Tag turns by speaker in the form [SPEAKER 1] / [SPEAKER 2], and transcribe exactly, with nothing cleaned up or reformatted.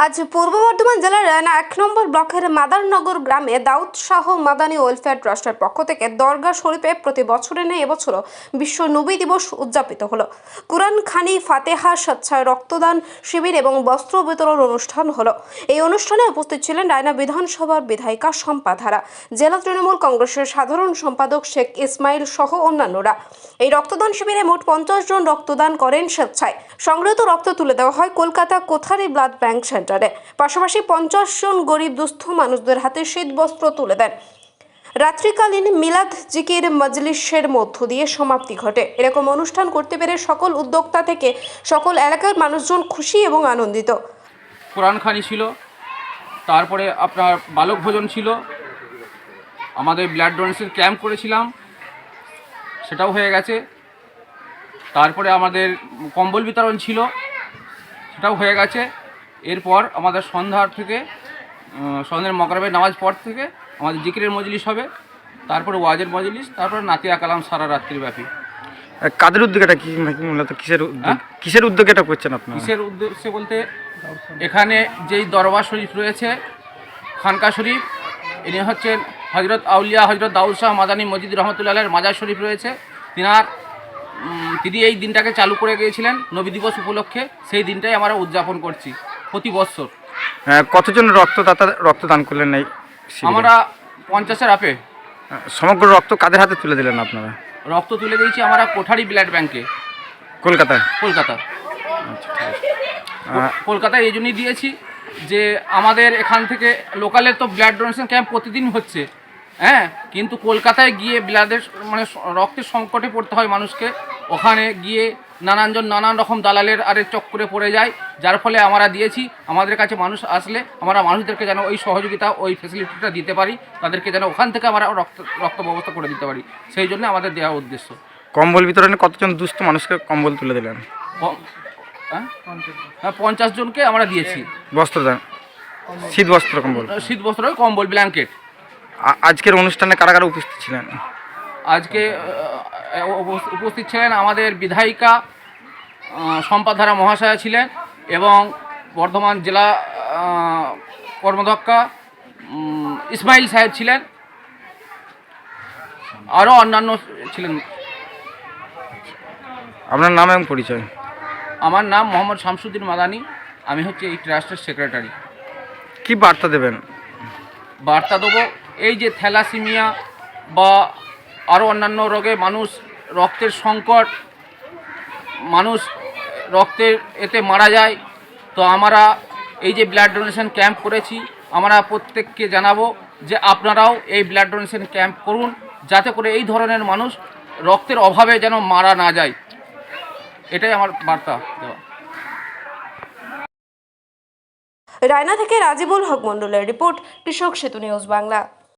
[SPEAKER 1] আজ পূর্ব বর্ধমান জেলার রায়না এক নম্বর ব্লকের মাদারনগর গ্রামে দাউদ শাহ মাদানী ওয়েলফেয়ার ট্রাস্টের পক্ষ থেকে দরগা শরীফে প্রতি বছরের ন্যায় এবছরও বিশ্ব নবী দিবস উদযাপিত হলো। কুরআন খানি, ফাতেহা, স্বেচ্ছায় রক্তদান শিবির এবং বস্ত্র বিতরণ অনুষ্ঠান হলো। এই অনুষ্ঠানে উপস্থিত ছিলেন রায়না বিধানসভার বিধায়িকা শম্পা ধারা, জেলা তৃণমূল কংগ্রেসের সাধারণ সম্পাদক শেখ ইসমাইল সহ অন্যান্যরা। এই রক্তদান শিবিরে মোট পঞ্চাশ জন রক্তদান করেন স্বেচ্ছায়। সংগৃহীত রক্ত তুলে দেওয়া হয় কলকাতা কোথারি ব্লাড ব্যাংক সেন্টারে। পাশাপাশি পঞ্চাশ জন গরিব দুস্থ মানুষদের হাতে শীত বস্ত্র তুলে দেন। রাত্রিকালীন মিলাদ জিকির মজলিসের মধ্য দিয়ে সমাপ্তি ঘটে। এরকম অনুষ্ঠান করতে পেরে সকল উদ্যোক্তা থেকে সকল এলাকার মানুষজন খুশি এবং আনন্দিত।
[SPEAKER 2] কোরআন খানি ছিল, তারপরে আপনার বালক ভোজন ছিল, আমাদের ব্লাড ডোনেশন ক্যাম্প করেছিলাম, সেটাও হয়ে গেছে। তারপরে আমাদের কম্বল বিতরণ ছিল, সেটাও হয়ে গেছে। এরপর আমাদের সন্ধ্যার থেকে সন্ধ্যার মগরিবের নামাজ পর থেকে আমাদের জিকিরের মজলিস হবে, তারপরে ওয়াজের মজলিস, তারপরে নাতিয়া কালাম সারা রাত্রিব্যাপী।
[SPEAKER 3] কাদের উদ্যোগে এটা কি মূলত কিসের উদ্যোগ কিসের উদ্যোগে এটা করছেন আপনারা?
[SPEAKER 2] কিসের উদ্দেশ্যে বলতে, এখানে যেই দরবার শরীফ রয়েছে খানকা শরীফ, ইনি হচ্ছেন হজরত আউলিয়া হজরত দাউদ শাহ মাদানী মজিদ রহমতুল্লাহের মাজার শরীফ রয়েছে। তিনার তিনি এই দিনটাকে চালু করে গিয়েছিলেন নবী দিবস উপলক্ষে। সেই দিনটাই আমরা উদযাপন করছি প্রতি বছর।
[SPEAKER 3] কতজন রক্তদাতা রক্তদান করলেন? এই
[SPEAKER 2] আমরা পঞ্চাশের আপে।
[SPEAKER 3] সমগ্র রক্ত কাদের হাতে তুলে দিলেন আপনারা?
[SPEAKER 2] রক্ত তুলে দিয়েছি আমরা কোঠারি ব্লাড ব্যাংকে,
[SPEAKER 3] কলকাতায়।
[SPEAKER 2] কলকাতা কলকাতায় এই জন্যই দিয়েছি যে আমাদের এখান থেকে লোকালের তো ব্লাড ডোনেশন ক্যাম্প প্রতিদিন হচ্ছে, হ্যাঁ, কিন্তু কলকাতায় গিয়ে ব্লাডের মানে রক্তের সংকটে পড়তে হয় মানুষকে। ওখানে গিয়ে নানানজন নানান রকম দালালের আরেক চক্করে পড়ে যায়, যার ফলে আমরা দিয়েছি। আমাদের কাছে মানুষ আসলে আমরা মানুষদেরকে যেন ওই সহযোগিতা ওই ফেসিলিটিটা দিতে পারি, তাদেরকে যেন ওখান থেকে আমরা রক্ত রক্ত ব্যবস্থা করে দিতে পারি, সেই জন্য আমাদের দেওয়ার উদ্দেশ্য।
[SPEAKER 3] কম্বল বিতরণে কতজন দুস্থ মানুষকে কম্বল তুলে দিলেন?
[SPEAKER 2] হ্যাঁ, পঞ্চাশ জনকে আমরা দিয়েছি
[SPEAKER 3] বস্ত্র দান, শীত বস্ত্র, কম্বল,
[SPEAKER 2] শীত বস্ত্র, কম্বল, ব্ল্যাঙ্কেট।
[SPEAKER 3] আজকের অনুষ্ঠানে কারা কারা উপস্থিত ছিলেন?
[SPEAKER 2] আজকে উপস্থিত ছিলেন আমাদের বিধায়িকা শম্পা ধারা মহাশয়া ছিলেন, এবং বর্ধমান জেলা কর্মদক্ষা ইসমাইল সাহেব ছিলেন, আরও অন্যান্য ছিলেন।
[SPEAKER 3] আপনার নাম এবং পরিচয়?
[SPEAKER 2] আমার নাম মোহাম্মদ শামসুদ্দিন মাদানী, আমি হচ্ছে এই ট্রাস্টের সেক্রেটারি।
[SPEAKER 3] কি বার্তা দেবেন?
[SPEAKER 2] বার্তা দেবো, এই যে থ্যালাসেমিয়া বা আরও অন্যান্য রোগে মানুষ রক্তের সংকট, মানুষ রক্তের এতে মারা যায়, তো আমরা এই যে ব্লাড ডোনেশন ক্যাম্প করেছি, আমরা প্রত্যেককে জানাবো যে আপনারাও এই ব্লাড ডোনেশন ক্যাম্প করুন, যাতে করে এই ধরনের মানুষ রক্তের অভাবে যেন মারা না যায়। এটাই আমার বার্তা দেওয়া।
[SPEAKER 1] রায়না থেকে রাজিবুল হক মন্ডলের রিপোর্ট, কৃষক সেতু নিউজ বাংলা।